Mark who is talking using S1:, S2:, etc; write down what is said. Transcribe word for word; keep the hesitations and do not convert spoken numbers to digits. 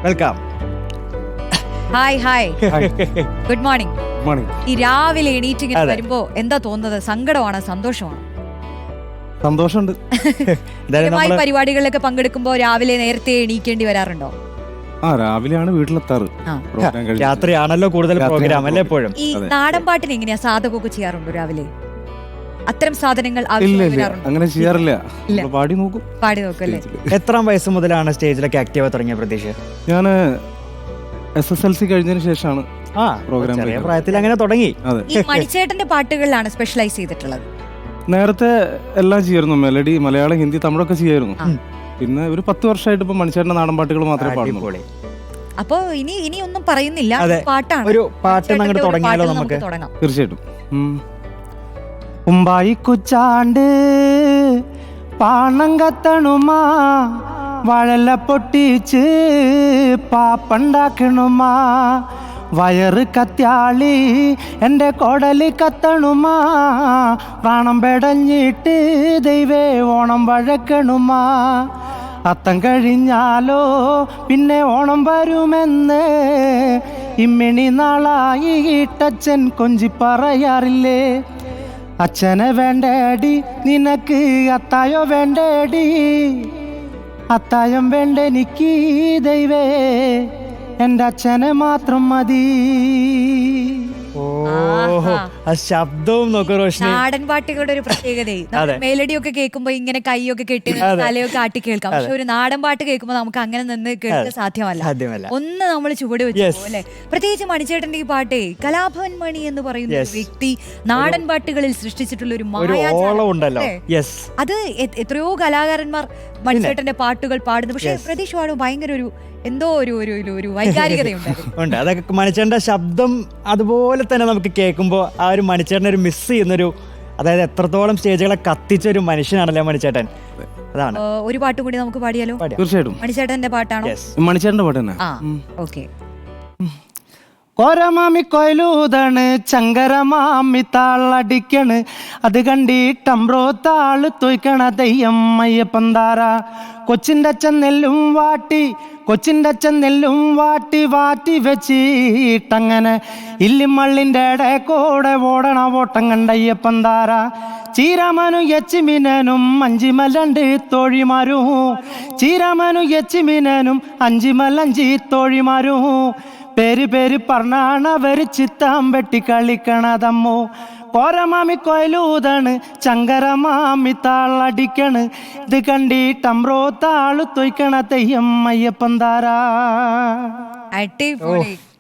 S1: Welcome.
S2: Hi hi good morning.
S3: Morning.
S2: ഈ രാവിലെ എണീറ്റ് ഇങ്ങനെ വരുമ്പോ എന്താ തോന്നുന്നത്? സങ്കടമാണോ സന്തോഷമാണോ?
S3: സന്തോഷമുണ്ട്.
S2: സ്ഥിരമായി പരിപാടികളിലൊക്കെ പങ്കെടുക്കുമ്പോ രാവിലെ നേരത്തെ എണീക്കേണ്ടി വരാറുണ്ടോ?
S3: ആ രാവിലെയാണ് വീട്ടിലെത്താറ്.
S1: രാത്രിയാണല്ലോ കൂടുതൽ പ്രോഗ്രാം അല്ലേ എപ്പോഴും.
S2: ഈ നാടൻ പാട്ടിന് എങ്ങനെയാ സാധകമൊക്കെ ചെയ്യാറുണ്ടോ രാവിലെ? അത്തരം സാധനങ്ങൾ
S3: അങ്ങനെ ചെയ്യാറില്ല. പാടി നോക്കും.
S2: പാടി നോക്കും അല്ലേ?
S1: എത്രാം വയസ്സ് മുതലാണ് സ്റ്റേജിലൊക്കെ ആക്റ്റീവ് തുടങ്ങിയ പ്രതീക്ഷ?
S3: ഞാൻ എസ് എസ് എൽ സി കഴിഞ്ഞതിന് ശേഷമാണ്
S1: ആ
S3: പ്രോഗ്രാം
S1: പ്രായത്തിൽ അങ്ങനെ തുടങ്ങി.
S2: ഈ മണിച്ചേട്ടന്റെ പാട്ടുകളിലാണ് സ്പെഷ്യലൈസ് ചെയ്തിട്ടുള്ളത്.
S3: നേരത്തെ എല്ലാം ചെയ്യായിരുന്നു. മെലഡി, മലയാളം, ഹിന്ദി, തമിഴൊക്കെ ചെയ്യായിരുന്നു. പിന്നെ ഒരു പത്ത് വർഷമായിട്ട് ഇപ്പൊ മണിച്ചേട്ടന്റെ നാടൻ പാട്ടുകൾ മാത്രമേ പാടുന്നുള്ളൂ.
S2: അപ്പോ ഇനി ഇനി ഒന്നും പറയുന്നില്ല, പാട്ടാണ്.
S1: ഒരു പാട്ട് തുടങ്ങിയാലോ നമുക്ക്?
S3: തീർച്ചയായിട്ടും. ഉമ്പായി കുച്ചാണ്ട് പാണം കത്തണുമാ, വഴല പൊട്ടിച്ച് പാപ്പണ്ടാക്കണുമാ, വയറ് കത്യാളി എൻ്റെ കൊടലി കത്തണുമാ, പ്രാണം പെടഞ്ഞിട്ട് ദൈവേ ഓണം വഴക്കണുമാ, അത്തം കഴിഞ്ഞാലോ പിന്നെ ഓണം വരുമെന്ന് ഇമ്മിണി നാളായി ഈട്ടച്ഛൻ കൊഞ്ചി പറയാറില്ലേ. അച്ഛനെ വേണ്ടേടി നിനക്ക് അത്തായോ വേണ്ടേടി, അത്തായം വേണ്ടെനിക്ക് ദൈവേ എൻ്റെ അച്ഛനെ മാത്രം മതി.
S1: ശബ്ദവും നോക്കൂ റോഷ്നി.
S2: നാടൻ പാട്ടുകളുടെ ഒരു പ്രത്യേകത മെലഡി ഒക്കെ കേൾക്കുമ്പോ ഇങ്ങനെ കൈയൊക്കെ കെട്ടി തലയൊക്കെ ആട്ടി കേൾക്കാം. പക്ഷെ ഒരു നാടൻ പാട്ട് കേൾക്കുമ്പോ നമുക്ക് അങ്ങനെ നിന്ന് കേൾക്കാൻ സാധ്യമല്ല. ഒന്ന് നമ്മൾ ചുവട് വെച്ചു അല്ലെ. പ്രത്യേകിച്ച് മണിച്ചേട്ടന്റെ ഈ പാട്ടേ, കലാഭവൻ മണി എന്ന് പറയുന്ന ഒരു വ്യക്തി നാടൻ പാട്ടുകളിൽ സൃഷ്ടിച്ചിട്ടുള്ള ഒരു മായാജാലം. അത് എത്രയോ കലാകാരന്മാർ മണിച്ചേട്ടന്റെ പാട്ടുകൾ പാടുന്നു. പക്ഷെ പ്രതീക്ഷ പാടും ഭയങ്കര ഒരു എന്തോ ഒരു ഒരു വൈകാരികതയുണ്ട്.
S1: അതൊക്കെ മണിച്ചേട്ടന്റെ ശബ്ദം അതുപോലെ തന്നെ നമുക്ക് കേൾക്കുമ്പോൾ ആ ഒരു മണിച്ചേട്ടനെ ഒരു മിസ് ചെയ്യുന്നൊരു, അതായത് എത്രത്തോളം സ്റ്റേജുകളെ കത്തിച്ച ഒരു മനുഷ്യനാണല്ലേ മണിച്ചേട്ടൻ. അതാണ്.
S2: ഒരു പാട്ട് കൂടി നമുക്ക് പാടിയാലോ?
S3: തീർച്ചയായിട്ടും.
S2: മണിച്ചേട്ടന്റെ പാട്ടാണോ?
S3: മണിച്ചേട്ടന്റെ പാട്ട് തന്നെ.
S2: ആ ഓക്കെ.
S4: കോരമാമി കൊയിലൂതാണ്, ചങ്കരമാമി താളടിക്കണ്, അത് കണ്ടിട്ടമ്പ്രോ താള് തൊയ്ക്കണ തെയ്യം അയ്യപ്പന്താര. കൊച്ചിൻ്റെ അച്ഛൻ നെല്ലും വാട്ടി, കൊച്ചിൻ്റെ അച്ഛൻ നെല്ലും വാട്ടി വാട്ടി വെച്ചിട്ടങ്ങനെ ഇല്ലിമള്ളിൻ്റെ ഇടക്കൂടെ ഓടണ ഓട്ടം കണ്ടയ്യപ്പന്താര. ചീരാമനും എച്ചിമീനനും അഞ്ചിമലണ്ട് തോഴിമാരും, ചീരാമനും എച്ചിമീനനും അഞ്ചിമലഞ്ചി തോഴിമാരും, പേര് പേര് പറഞ്ഞാണവര് ചിത്താം വെട്ടി കളിക്കണതമ്മോ. കോരമാമി കൊയിലൂതാണ്, ചങ്കരമാമി താളടിക്കണ്, ഇത് കണ്ടിട്ടമ്പ്രോ താളു തൊയ്ക്കണ തെയ്യം അയ്യപ്പന്താര.
S2: അടിപൊളി.